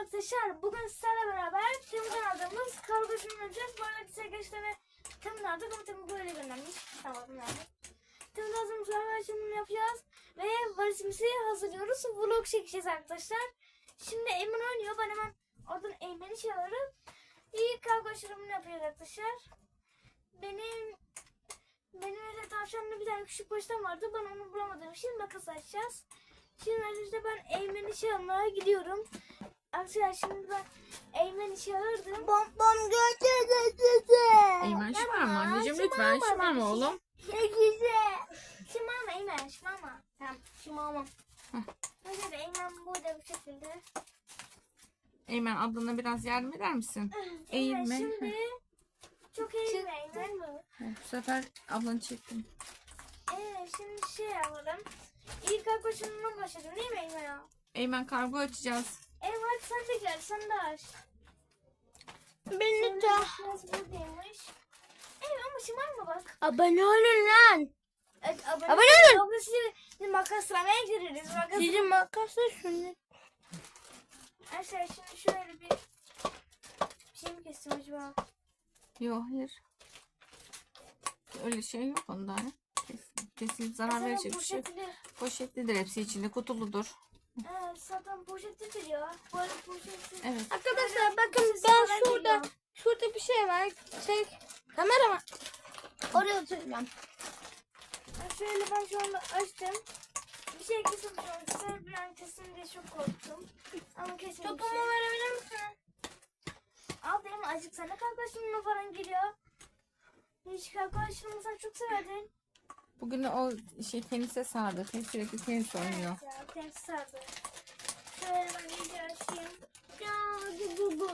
arkadaşlar, bugün sizlerle beraber Temu'dan aldığımız kargo işini yapacağız. Bu arada size gerçekten Temu'dan aldık ama Temu böyle göndermiş. Tamam yani. Temu'dan aldığımız kargo işini yapacağız ve valizimizi hazırlıyoruz. Vlog çekeceğiz arkadaşlar. Şimdi Eymen oynuyor. Ben hemen oradan Eymen'i çağırırım. İyi kargo işini yapacağız arkadaşlar. Benim öyle tavşanlı bir tane küçük baştan vardı. Ben onu bulamadım. Şimdi makas açacağız. Şimdi arkadaşlar ben Eymen'i çağırmaya gidiyorum. Arkadaşlar şimdi ben Eymen'i çağırdım. Bom götürdü. Eymen şımarma anneciğim, lütfen şımarma oğlum. Ne güzel. Şımarma Eymen, şımarma. Tamam şımarmam. Arkadaşlar Eymen burada bu şekilde. Eymen, ablana biraz yardım eder misin? Eymen Eğilme. şimdi çok eğilme Eymen. Bu sefer ablanı çektim. Şimdi şey yapalım. İlk arkadaşımdan başladım değil mi Eymen ya? Eymen, kargo açacağız. Evet sen de gel, sen de aç. Beni de. Nasıl buradaymış? Ama şımarma bak. Abone olun lan. Evet, Abone olun. Yoksa şimdi makaslamaya gireriz. Sizin makası şunu. Arkadaşlar şimdi şöyle bir şey mi kestim acaba? Yok, hayır. Öyle şey yok onda. Ya. Kesin zarar verecek bir şey yok. Poşetlidir, hepsi içinde kutuludur. Zaten poşetlidir ya. Böyle poşetli. Evet. Arkadaşlar bakın Siz ben sonra şurada bir şey var. Kamera mı? Oraya oturacağım. Şöyle ben şu anda açtım. Bir şey kesin sonra bir an kesin diye çok korktum. Ama kesin bir Topumu şey. verebilir misin? Al benim acık sana kalkaşımla falan geliyor. Hiç kalkaşımı sen çok severdin. Bugün o tenise sardı. Sürekli tenis oynuyor. Ya ters sardı. Şöyle ben iyice açayım. Ya bu.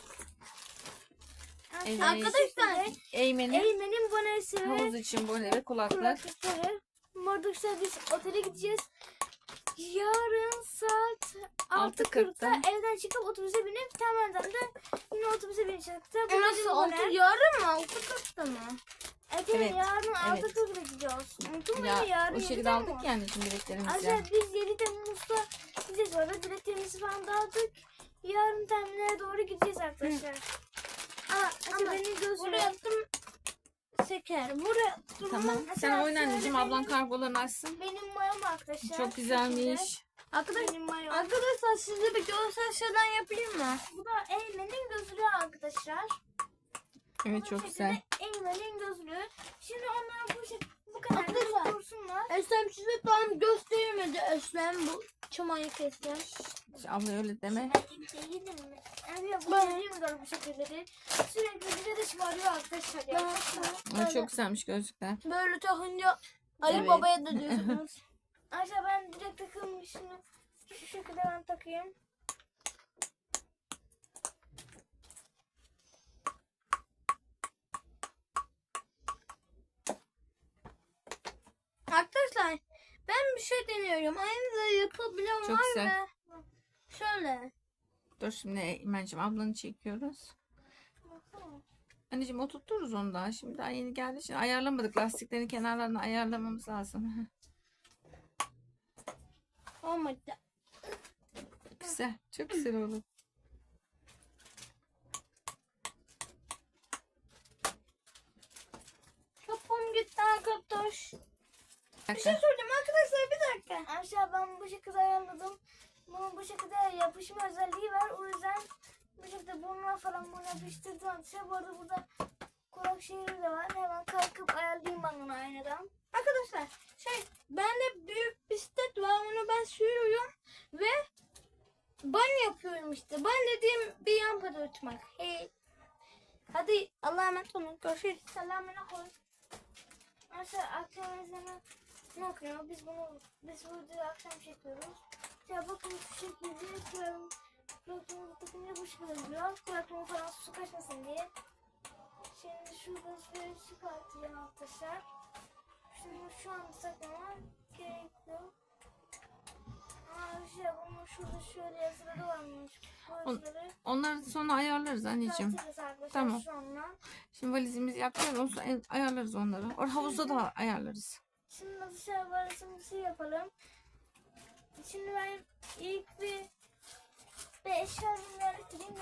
Evet. Arkadaşlar. Eymen'in Eymen'in bonesi havuz ve için böyle ve kulaklık. kulaklıkları. Marduk'ta biz otele gideceğiz. Yarın saat 6.40'da evden çıkıp otobüse binip Temel'den de yine otobüse bineceğiz. O nasıl oldu? Yarın mı? 6.40'da mı? Evet, yarın evet. 6.40'da gidiyoruz. Unuttun mu Ya yarın o 7'de şekilde mi? aldık yani şimdi biletlerimizi. Ayrıca biz 7 Temmuz'da gideceğiz. Orada biletlerimizi falan dağıttık. Yarın terminale doğru gideceğiz arkadaşlar. Ama Benim gözüm. buraya attım. Seker. Buraya attım. Tamam. Sen Mesela oyna anneciğim, şöyle ablan benim- kargolarını açsın. Benim mayom arkadaşlar. Çok güzelmiş. Benim mayom. Arkadaşlar size bir görsel şeyden yapayım mı? Bu da Eymen'in gözlüğü arkadaşlar. Evet, Bu çok şekilde güzel. Eymen'in gözlüğü. Şimdi onlar bu kadar Arkadaşlar. dursunlar. Eslem size tam göstermedi. Eslem bu çamayı kesti. Abla öyle deme. Değilim mi? Yani bu Ben- görüyorlar bu şekilleri. Sürekli bize de şımarıyor arkadaşlar ya. Ama çok güzelmiş gözlükler. Böyle takınca Ali Evet. Baba'ya da diyorsunuz. Ayrıca ben direkt takılmışım. Şu şekilde ben takayım. Arkadaşlar ben bir şey deniyorum. Aynı da yapabilen Çok var güzel. mı? Şöyle. Dur şimdi Eymen'ciğim, ablanı çekiyoruz. Baksana. Anneciğim oturturuz onu daha. Şimdi daha yeni geldi. Şimdi ayarlamadık. Lastiklerin kenarlarını ayarlamamız lazım. Olmadı. Güzel. Çok güzel olur. Topum gitti arkadaş. Bir Bir şey soracağım arkadaşlar, bir dakika. Aşağı ben bu şekilde ayarladım. Bunun bu şekilde yapışma özelliği var. O yüzden bu şekilde burnuna falan bunu yapıştırdım. Arkadaşlar bu arada burada kulak şeyleri de var. Hemen kalkıp ayarlayayım ben bunu aynadan. Arkadaşlar bende büyük bisiklet var, onu ben sürüyorum ve ban yapıyorum işte. Ban dediğim bir lampada uçmak. Hey. Hadi Allah'a emanet olun. Görüşürüz. Selamına koy. Arkadaşlar akşam izleme ne okuyor? Biz bu videoyu akşam çekiyoruz. Ya bakın şu şekilde kulaklığımı takınca bu şekilde duruyor. Kulaklığımı falan su kaçmasın diye. Şimdi şurada şöyle çıkartacağım arkadaşlar. Şimdi şu anda takmama gerekli. Bunun şurada şöyle yazıları varmış. Bu yazıları Onları sonra ayarlarız anneciğim. çıkartırız arkadaşlar Tamam. sonra. Şimdi valizimizi yapacağız. Ondan sonra ayarlarız onları. Havuzda da ayarlarız. Şimdi dışarı arasımızı yapalım. Şimdi ben ilk bir eşyalarımı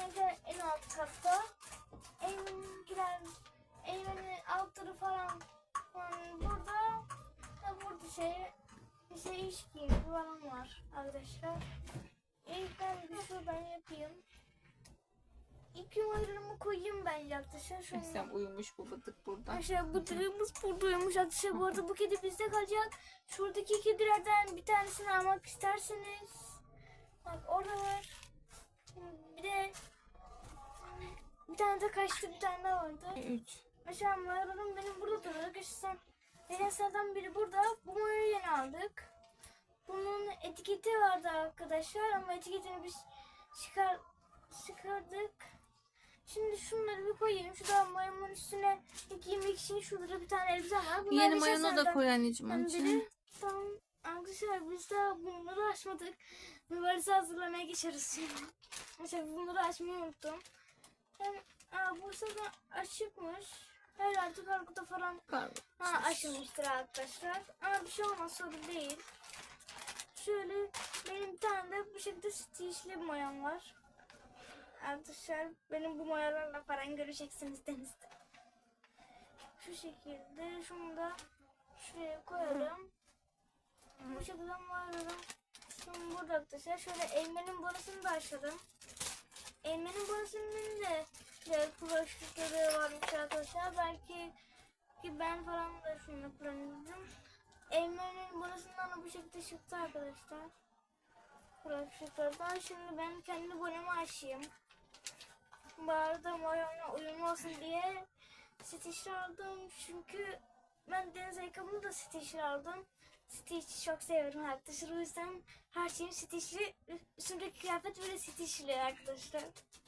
Eymen'inkiler en alt katta. Eymen'inkiler, Eymen'in altları falan burada. Burada iş giyimi falan var arkadaşlar. İlk ben bir şuradan yapayım. İlk yuvarlarımı koyayım bence arkadaşlar. Sen uyumuş bu bıdık burada. Arkadaşlar bıdığımız burada uyumuş arkadaşlar. Bu arada bu kedi bizde kalacak. Şuradaki kedilerden bir tanesini almak isterseniz. Bak orada var. Bir de bir tane de kaçtı, bir tane daha vardı. 3. Mesela mayalarım benim burada duruyor. Arkadaşlar nedenselden biri burada. Bu mayayı yeni aldık. Bunun etiketi vardı arkadaşlar ama etiketini biz çıkardık. Şimdi şunları bir koyayım. Şurada mayonun üstüne giymek için şurada bir tane elbise var. Bunlar Yeni bir mayonu da senden. koy anneciğim onun Biri için. tamam arkadaşlar biz daha bunları açmadık. Mübarese hazırlamaya geçeriz şimdi. Mesela bunları açmayı unuttum. Bu sefer açıkmış. Her artık arkada falan açılmıştır arkadaşlar. Ama bir şey olmaz, sorun değil. Şöyle benim bir tane de bu şekilde stitchli bir mayam var. Arkadaşlar benim bu mayalarla falan göreceksiniz denizde. Şu şekilde şunu da şuraya koyalım. Bu şekilde mayalım. Şimdi burada arkadaşlar şöyle Eymen'in borasını da açalım. Eymen'in borasının da kulaklıkları varmış arkadaşlar. Belki ki ben falan da şunu kullanırdım. Eymen'in borasından da bu şekilde çıktı arkadaşlar. Kulaklıklardan. Şimdi ben kendi bonemi açayım. Bu arada mayona uyumlu olsun diye stitch aldım. Çünkü ben deniz ayakkabımı da stitch aldım. Stitch'i çok seviyorum arkadaşlar. O yüzden her şeyim stitchli. Üstümdeki kıyafet böyle stitchli arkadaşlar.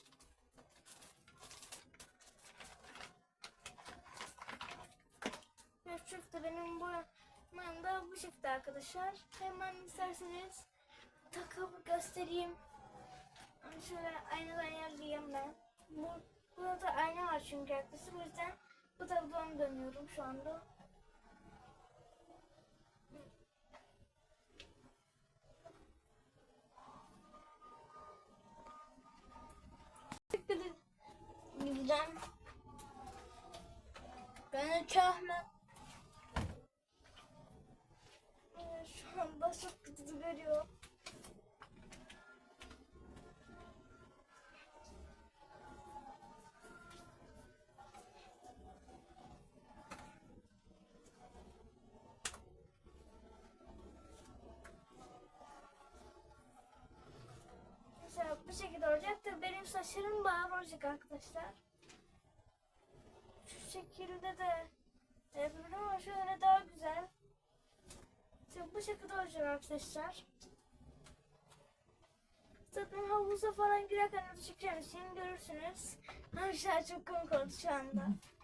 Şu şekilde benim boyamam da bu şekilde arkadaşlar. Hemen isterseniz takıp göstereyim. Şöyle aynadan ayarlayayım ben. Burada ayna var çünkü arkadaşlar. O yüzden bu tarafa dönüyorum şu anda. Gideceğim. Ben çahme. Şu anda çok kötü görüyor. Mesela bu şekilde olacak da benim saçlarım bağır olacak arkadaşlar. Şu şekilde de yapabilirim ama şöyle daha güzel. Şimdi bu şekilde olacak arkadaşlar. Zaten havuza falan girerken orada çekeceğim için görürsünüz. Arkadaşlar çok komik oldu şu anda.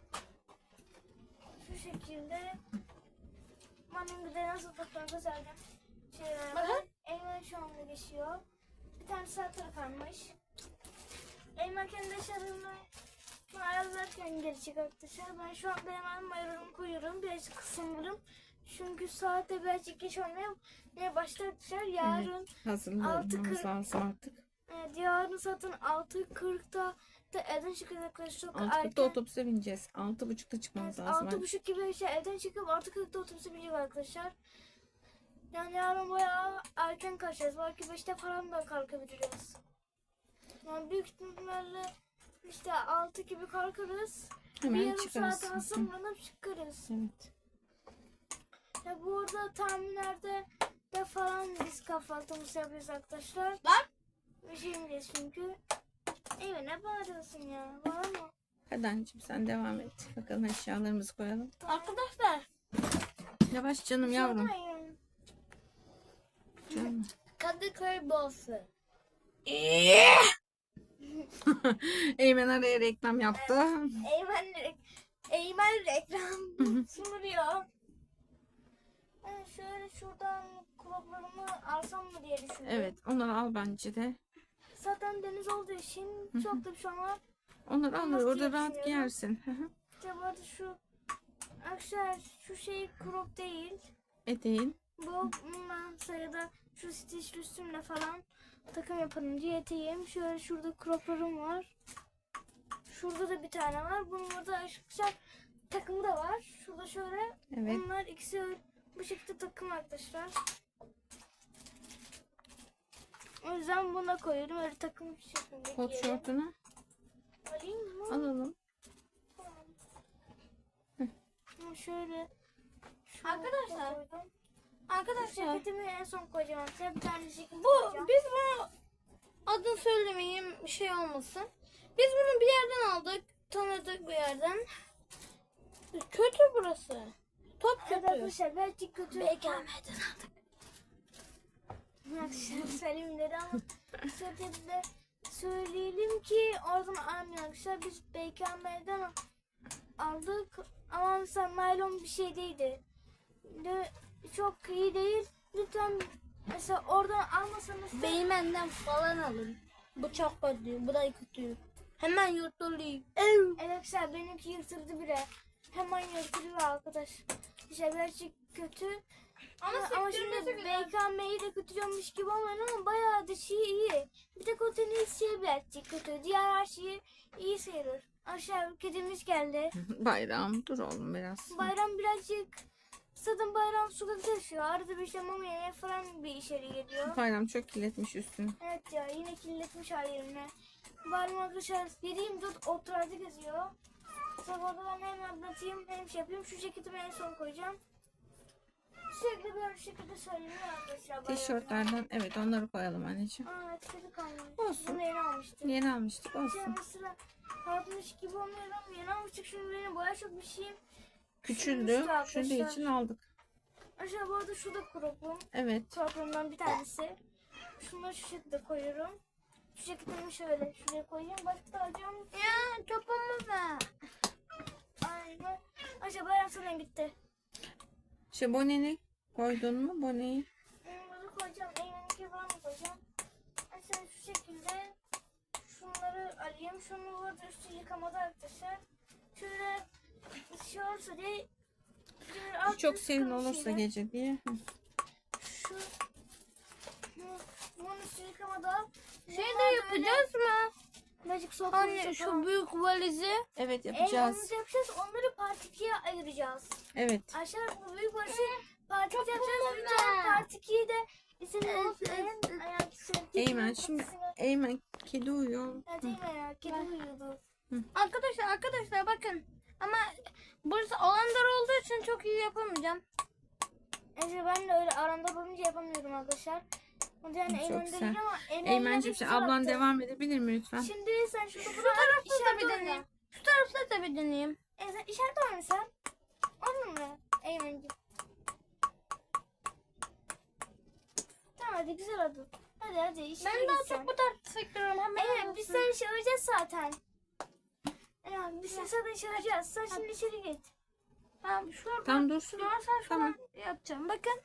Şu şekilde. Benim bir de nasıl fotoğrafı göstereceğim. Bakın. Eymen şu anda geçiyor. Bir tane saatleri kalmış. Eymen kendi eşyalarını ayarlarken gelecek arkadaşlar. Ben şu anda hemen mayolarımı koyuyorum. Birazcık kısımlarım. Çünkü saate birazcık geç olmaya başladı arkadaşlar. Yarın Hazırlanmamız lazım artık. evet, yarın zaten 6:40'da da evden çıkacağız arkadaşlar. Çok 6.40'da erken. otobüse bineceğiz. 6.30'da çıkmamız Evet, lazım. 6:30 gibi evden çıkıp 6:40'da otobüse bineceğiz arkadaşlar. Yani yarın bayağı erken kalkacağız. Belki 5'te falan da kalkabiliriz. Yani büyük ihtimalle işte 6 gibi kalkarız. Bir Hemen yarım çıkarız. saate hazırlanıp çıkarız. Evet. Ya burada tahminlerde de falan biz kahvaltımızı yapıyoruz arkadaşlar. Bak. Üşüyeceğiz çünkü. Evet, ne bağırıyorsun ya? Var mı? Hadi anneciğim sen devam et. Bakalım eşyalarımızı koyalım. Arkadaşlar. Yavaş canım yavrum. Sormayın. Canım. Kadıköy Boğazı. Eymen araya reklam yaptı. Eymen reklam sunuyor. Ben şöyle şuradan kulaklarımı alsam mı diye düşündüm. Evet onları al bence de. Zaten deniz olduğu için çok da bir şey olmaz. Onları al Nasıl orada rahat yapışıyor? giyersin. İşte bu arada şu arkadaşlar şu şey crop değil. Eteğin. Bu sayıda şu stitch üstümle falan takım yapalım diye eteğim. Şöyle şurada croplarım var. Şurada da bir tane var. Bunun burada arkadaşlar takımı da var. Şurada şöyle. Evet. Bunlar ikisi bu şekilde takım arkadaşlar. O yüzden buna koyuyorum. Öyle takım şeklinde Kot giyelim. şortunu Alayım mı? alalım. Şöyle. Arkadaşlar, koydum. Arkadaşlar Ceketimi en son koyacağım arkadaşlar. Bir tane ceket bu koyacağım. biz bunu adını söylemeyeyim bir şey olmasın. Biz bunu bir yerden aldık. Tanıdık bir yerden. Kötü burası. Top Evet kötü. arkadaşlar belki kötü. BKM'den aldık. Arkadaşlar söyleyeyim dedi ama de söyleyelim ki oradan almıyor arkadaşlar. Biz BKM'den aldık ama mesela naylon bir şey değildi. De, çok iyi değil. Lütfen mesela oradan almasanız da Beymen'den falan alın. Bu çok kötü. Bu da kötü. Hemen yırtılıyor. evet arkadaşlar benimki yırtıldı bile. Hemen yırtılıyor arkadaş. İşte birazcık kötü. Ama şimdi BKM'yi de kötüyormuş gibi olmuyor ama bayağı da şey iyi. Bir tek o tenis şey birazcık kötü. Diğer her şeyi iyi sayılır. Aşağı kedimiz geldi. Bayram dur oğlum biraz. Bayram birazcık zaten bayram sokakta yaşıyor. Arada bir şey mama yemeye falan bir içeri geliyor. Bayram çok kirletmiş üstünü. Evet ya yine kirletmiş hallerini. Bayram arkadaşlar 7/24 oturarda geziyor. Sabahda ben hem anlatayım hem şey yapayım. Şu ceketimi en son koyacağım. Sürekli böyle şekilde söyleniyor arkadaşlar. bayramda. Tişörtlerden evet onları koyalım anneciğim. Aa etkili kalmış. Olsun. Bunu yeni almıştım. Yeni almıştık Şey olsun. mesela harpmış gibi olmuyor ama yeni almıştık. Şimdi benim baya çok bir şeyim. Küçüldü. Küçülmüştü Küçüldüğü arkadaşlar. için aldık. Aşağı bu arada şu da kropum. Evet. Kropumdan bir tanesi. Şunları şu şekilde koyuyorum. Şu ceketimi şöyle şuraya koyayım. Başka alacağım. Ya topumu ver. Aynen. Aşağı bayram sana gitti. Şey boneni koydun mu boneyi? Bunu koyacağım. Elimdeki falan mı koyacağım? Aşağı şu şekilde şunları alayım. Şunu burada üstü yıkamada arkadaşlar. Şöyle şey olursa diye şöyle alt Çok üst serin kalın olursa şeyler. gece diye. Hı. Şu bunun üstü yıkamada Şey de yapacağız mı? birazcık soğuk Anne olursa şu falan. büyük valizi. Evet Yapacağız. yapacağız. Yapacağız. Onları part 2'ye ayıracağız. Evet. Aşağı bu büyük başı part 2 Çok yapacağız. kolay. Lütfen part 2'yi de istediğiniz Eymen şimdi Eymen kedi uyuyor. Evet Eymen ya. Kedi uyuyordu. Arkadaşlar bakın. Ama burası alandar olduğu için çok iyi yapamayacağım. Evet ben de öyle aramda bulunca yapamıyorum arkadaşlar. O da yani Çok Eymen güzel. değil ama Eymen'cim şimdi ablan devam edebilir mi lütfen? Şimdi sen şurada Şu bırak. tarafta da işaret bir oyna. deneyeyim. Şu tarafta da bir deneyeyim. Sen işaret oyna sen. Anladın mı Eymen'ciğim? Tamam hadi güzel oldu. Hadi işine Ben daha git sen. çok bu tarafta sektörüm. Evet biz seni çağıracağız zaten. Evet biz seni zaten çağıracağız. Sen şimdi içeri git. Ben şurada. Tam dursun. Sen Tamam. yapacağım. Bakın.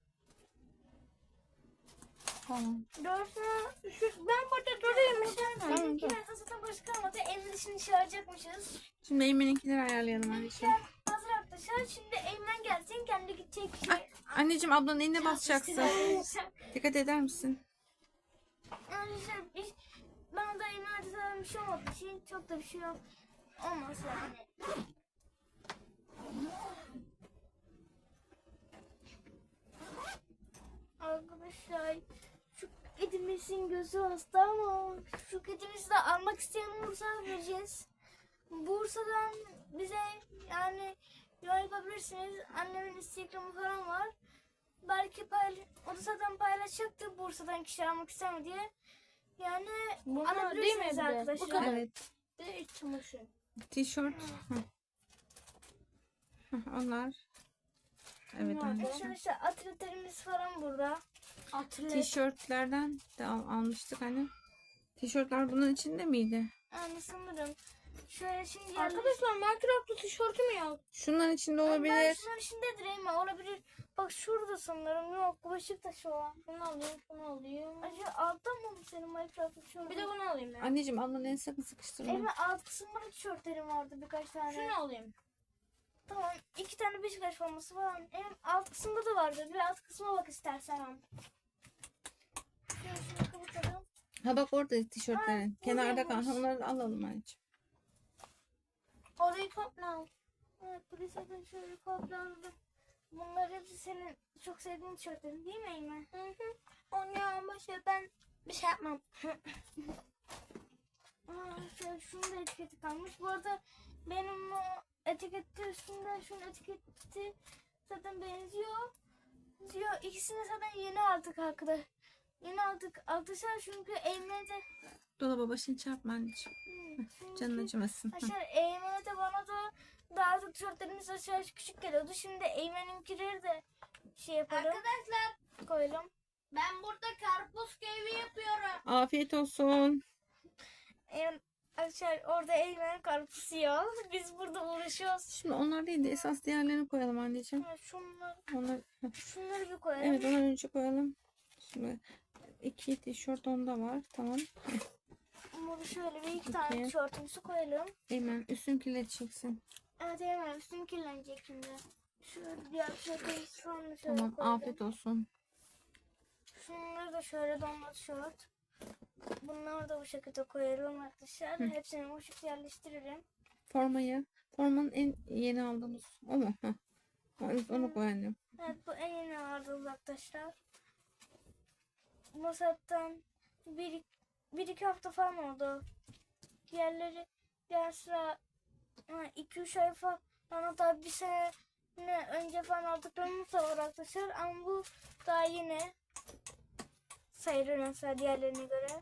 Tamam. Ben burada durayım. Tamam, Benimki dur. ben zaten başka kalmadı. Evin dışını çağıracakmışız. Şimdi Eymen'inkileri ayarlayalım anneciğim. Hazır arkadaşlar. Şimdi Eymen gelsin. Kendi gidecek. Ay, anneciğim ablanın eline basacaksın. Dikkat eder misin? Arkadaşlar bana da Eymen'de zaten bir şey olmadığı için çok da bir şey yok. Olmaz yani. Arkadaşlar şu kedimizin gözü hasta ama şu kedimizi de almak isteyen olursa vereceğiz. Bursa'dan bize yani yol yapabilirsiniz. Annemin Instagram'ı falan var. Belki o da zaten paylaşacaktı Bursa'dan kişi almak ister mi diye. Yani Bunlar değil mi alabilirsiniz bir de? arkadaşlar. Bu kadar. Evet. De iç çamaşır. Tişört. Hı. Hı, onlar. Evet anneciğim. Arkadaşlar atletlerimiz falan burada. Tişörtlerden de almıştık hani. Tişörtler bunun içinde miydi? Yani sanırım. Şöyle şimdi Arkadaşlar Minecraft'ta tişörtüm yok. Şunların içinde Ben olabilir. şunun içindedir Eymen olabilir. Bak şurada sanırım yok. Beşiktaş olan. Bunu alayım, bunu alayım. Acaba altta mı senin Minecraft tişörtün? Bir de bunu alayım ya. Anneciğim ablanın elini sakın sıkıştırma. Eymen alt kısımda da tişörtlerim vardı birkaç tane. Şunu alayım. Tamam 2 tane Beşiktaş forması falan. Eymen alt kısımda da vardı. Bir alt kısma bak istersen. Şunu kapatalım. Ha bak orada tişörtlerin. Aa, Kenarda kal. buradaymış. Onları da alalım anneciğim. Orayı topla. Evet, bu liseden şöyle kopyaladım. Bunlar hepsi senin çok sevdiğin tişörtlerin değil mi Eymen? Hı hı. Onu başa ben bir şey yapmam. Şöyle şunun da etiketi kalmış. Bu arada benim o etiketi üstünde şunun etiketi zaten benziyor. Diyor ikisini zaten yeni aldık arkadaşlar. Yeni aldık arkadaşlar çünkü Eymen'e de Dolaba başını çarpma anneciğim. Canın acımasın. Hı. aşağı Eymen'e de bana da daha da tişörtlerimiz aşağı küçük geliyordu. Şimdi Eymen'inkileri de şey yapalım. Arkadaşlar Koyalım. ben burada karpuz keyfi yapıyorum. Afiyet olsun. Aşağı orada Eymen karpuz yiyor. Biz burada uğraşıyoruz. Şimdi onlar değil de esas diğerlerini koyalım anneciğim. Onlar, Şunları bir koyalım. evet onları önce koyalım. Şimdi 2 tişört onda var. Tamam. Bunu şöyle bir iki tane Peki. tişörtümüzü koyalım. Hemen üstünü kirleteceksin. Evet Eymen üstüm kirlenecek şimdi. Şöyle diğer tişörtümüzü sonra şöyle Tamam koyalım. afiyet olsun. Şunları da şöyle donla tişört. Bunları da bu şekilde koyalım arkadaşlar. Hı. Hepsini bu şekilde yerleştirelim. Formanın en yeni aldığımız o mu? Heh. Evet, onu koy annem. Evet bu en yeni aldığımız arkadaşlar. Bu zaten bir iki hafta falan oldu. Diğer sıra 2-3 ay falan hatta bir sene önce falan aldıklarımız da var arkadaşlar. Ama bu daha yeni sayılır mesela diğerlerine göre.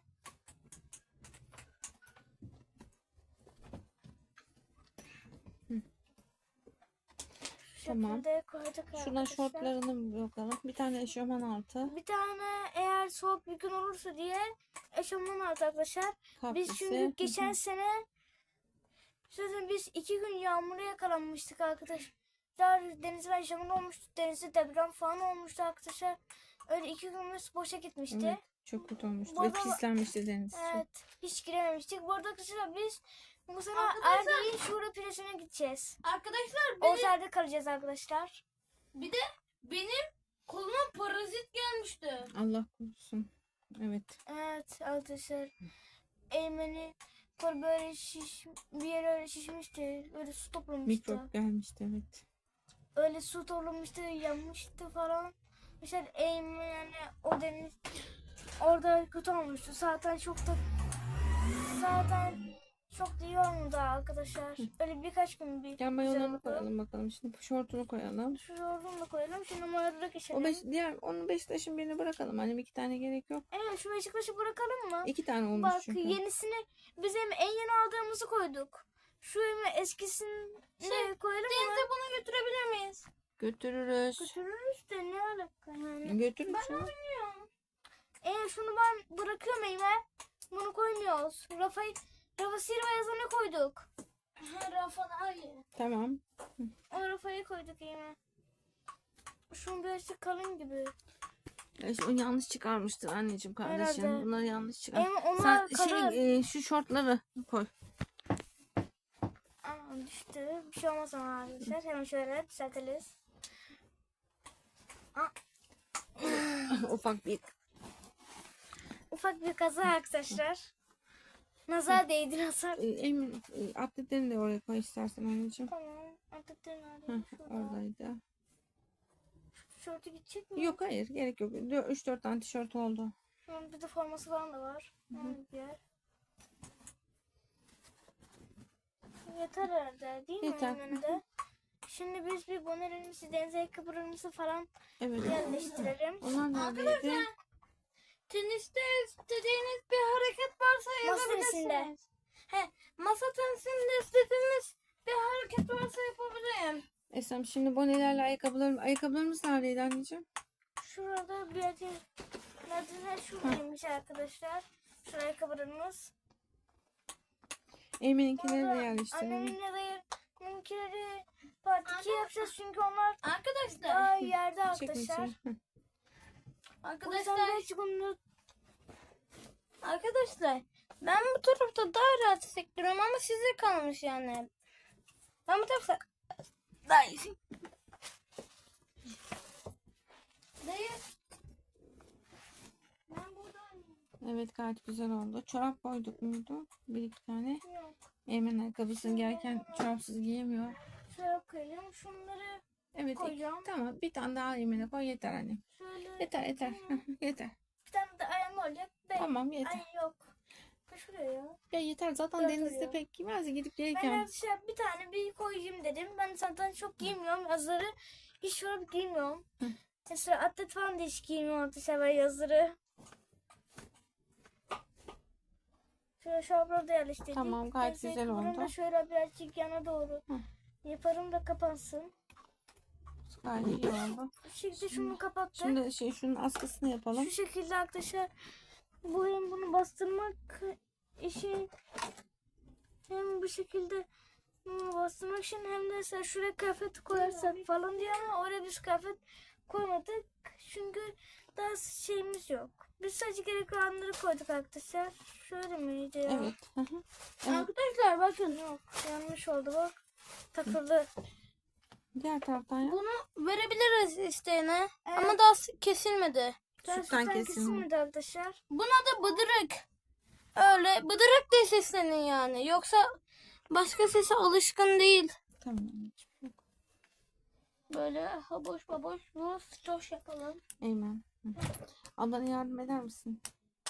Tamam. Şekilde koyduk Şuradan arkadaşlar. şortlarını bir bakalım. Bir tane eşofman altı. Bir tane eğer soğuk bir gün olursa diye eşofman aldık arkadaşlar. Biz Kaprisi. çünkü geçen sene zaten biz 2 gün yağmura yakalanmıştık arkadaşlar. Denizde eşofman olmuştu. Denizde deprem falan olmuştu arkadaşlar. Öyle 2 günümüz boşa gitmişti. Evet, çok kötü olmuştu. Bu Ve arada- pislenmişti deniz. Evet. Hiç girememiştik. Bu arada arkadaşlar biz bu sene Arkadaşlar- Erdeğin Şura Plajı'na gideceğiz. Arkadaşlar Otelde kalacağız arkadaşlar. bir de benim koluma parazit gelmişti. Allah korusun. Evet. Evet arkadaşlar. Eymen'i kol böyle bir yere öyle şişmişti. Öyle su toplamıştı. Mikrop gelmişti evet. Öyle su toplamıştı, yanmıştı falan. Mesela Eymen yani o deniz orada kötü olmuştu. Zaten çok da iyi olmadı arkadaşlar. Öyle birkaç gün bir Gel güzel mayolarını oldu. koyalım bakalım. Şimdi şortunu koyalım. Şu yorgun da koyalım. Şimdi mayoları geçelim. Onu Beşiktaş'ın birini bırakalım. Hani 2 tane gerek yok. Evet şu Beşiktaş'ı bırakalım mı? 2 tane olmuş Bak çünkü. yenisini biz hem en yeni aldığımızı koyduk. Şu hem eskisini koyalım mı? Denize bunu götürebilir miyiz? Götürürüz. Götürürüz de ne alaka yani. Götürürüz. ya. Şunu ben bırakıyorum Eymen. Bunu koymuyoruz. Rafa Silva yazanı koyduk. Rafa daha iyi. Tamam. O Rafa'yı koyduk Eymen. Şunun böylesi kalın gibi. Ya işte onu yanlış çıkarmıştır anneciğim kardeşim. Herhalde. Bunları yanlış çıkar. Eymen onlar Sen kalın. şu şortları koy. Aa, düştü. Bir şey olmaz ama arkadaşlar. Hemen şöyle düzeltiriz. Ufak bir kaza arkadaşlar. Nazar değdi nazar. Emin atletlerini de oraya koy istersen anneciğim. Tamam. Artık Heh, nerede? Şurada. oradaydı. Tişörtü gidecek mi? Yok hayır gerek yok. 3-4 tane tişört oldu. Bir de forması falan da var. Bir yer. Yeter herhalde değil mi? Yeter. Eymen'de? Şimdi biz bir bonelerimizi, deniz ayakkabılarımızı falan Evet. yerleştirelim. Onlar neredeydi? Teniste istediğiniz bir hareket varsa Masa tenisinde. yazabilirsiniz. Masa tenisinde istediğiniz bir hareket varsa yapabilirim. Esem şimdi bonelerle ayakkabılarımız neredeydi anneciğim? Şurada bir yerde neredeyse şuradaymış arkadaşlar. Şu ayakkabılarımız. Eymen'inkileri de Orada yerleştirelim. anneminle dayımınkileri part 2 yapacağız çünkü onlar Arkadaşlar. daha yerde Çekin arkadaşlar. içeri. Heh. O yüzden Arkadaşlar. birazcık onu Arkadaşlar. Ben bu tarafta daha rahat hissediyorum ama size kalmış yani. Ben bu tarafta daha iyi. Dayı. ben buradayım. Evet, gayet güzel oldu. Çorap koyduk muydu? Bir iki tane. Yok. Eymen ayakkabısını giyerken çorapsız giyemiyor. Şöyle koyacağım. Şunları Evet, koyacağım. tamam. Bir tane daha Eymen'e koy, yeter annem. Şöyle. Yeter yeter. Yeter. Bir tane de ayağım olacak. Tamam, yeter. Ay yok. Şuraya ya. Ya yeter, zaten Dört denizde oluyor. pek giymez gidip Ben gelirken. arkadaşlar bir tane bir koyayım dedim. Ben zaten çok giymiyorum. Yazları hiç çorap giymiyorum. Hı. Mesela atlet falan da hiç giymiyorum arkadaşlar ben yazları. Şöyle şapları da yerleştirdik. Tamam, gayet Neyse, güzel bunu oldu. da şöyle birazcık yana doğru Hı. yaparım da kapansın. Gayet iyi oldu. Bu şekilde şunu kapattık. Şimdi şunun askısını yapalım. Şu şekilde arkadaşlar bu hem bunu bastırmak işi hem bu şekilde bastırmak için hem de mesela şuraya kıyafet koyarsak falan diye ama oraya biz kıyafet koymadık. Çünkü daha şeyimiz yok. Biz sadece gerekli olanları koyduk arkadaşlar. Şöyle miydi ya? Evet. Hı hı. Evet. Arkadaşlar bakın yok. Yanlış oldu bak. Takıldı. Diğer taraftan yap. Bunu verebiliriz isteyene. Evet. Ama daha kesilmedi. Sütten kesilme. arkadaşlar. Buna da bıdırık. Öyle bıdırık diye seslenin yani. Yoksa başka sese alışkın değil. Tamam. Böyle haboş baboş bu stoş yapalım. Eymen. Hı. Ablana yardım eder misin?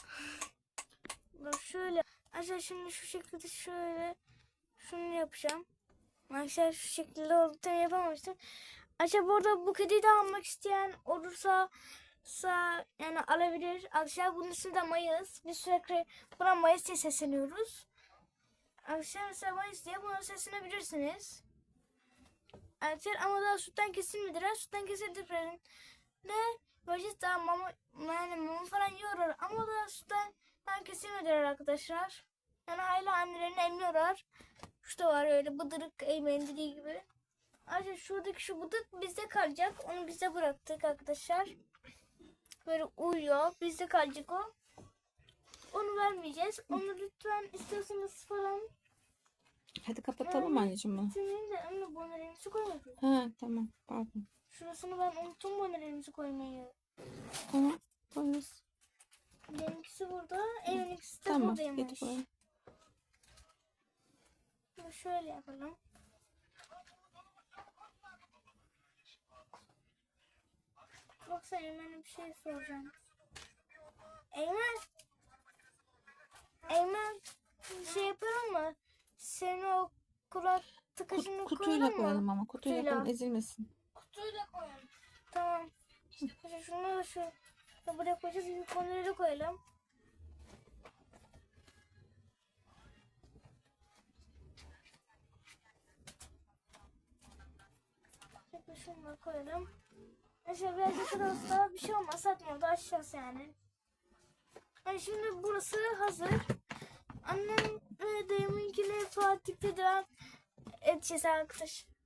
Bak şöyle. Arkadaşlar şimdi şu şekilde şöyle şunu yapacağım. Arkadaşlar şu şekilde oldu. Tam yapamamıştım. Arkadaşlar burada bu kediyi de almak isteyen olursa yani alabilir. Arkadaşlar bunun ismi de Mayıs. Biz sürekli buna Mayıs diye sesleniyoruz. Arkadaşlar mesela Mayıs diye buna seslenebilirsiniz. Arkadaşlar ama daha sütten kesilmediler. Sütten kesildiklerinde böyle daha mama falan yiyorlar. Ama daha sütten kesilmediler arkadaşlar. Yani hala annelerini emmiyorlar. Şu da var öyle bıdırık Eymen'in dediği gibi. Ayrıca şuradaki şu bıdık bizde kalacak. Onu bize bıraktık arkadaşlar. Böyle uyuyor. Bizde kalacak o. Onu vermeyeceğiz. Onu lütfen istiyorsanız falan. Hadi kapatalım anneciğim bunu. Senin de anne bonelerimizi koymadım. Ha, tamam. Pardon. Şurasını ben unuttum bonelerimizi koymayı. Tamam. Koyarız. Benimkisi burada. Evininkisi de Tamam. buradaymış. Getir koyalım. Bunu şöyle yapalım. Yoksa Eymen'e bir şey soracağım. Eymen. Eymen. Bir şey yapalım mı? Senin o kulak tıkacını Kutuyla koyalım ama. Kutuyla Kutuyla. koyalım, ezilmesin. Kutuyla koyalım. Tamam. Şimdi şunu da şu buraya koyacağız. Bir konuları koyalım. Şimdi şunu koyalım. Aşağı birazcık daha bir şey olmaz. Zaten orada aşağısı yani. Yani şimdi burası hazır. Annem ve dayımınkine Fatih'te devam edeceğiz arkadaş.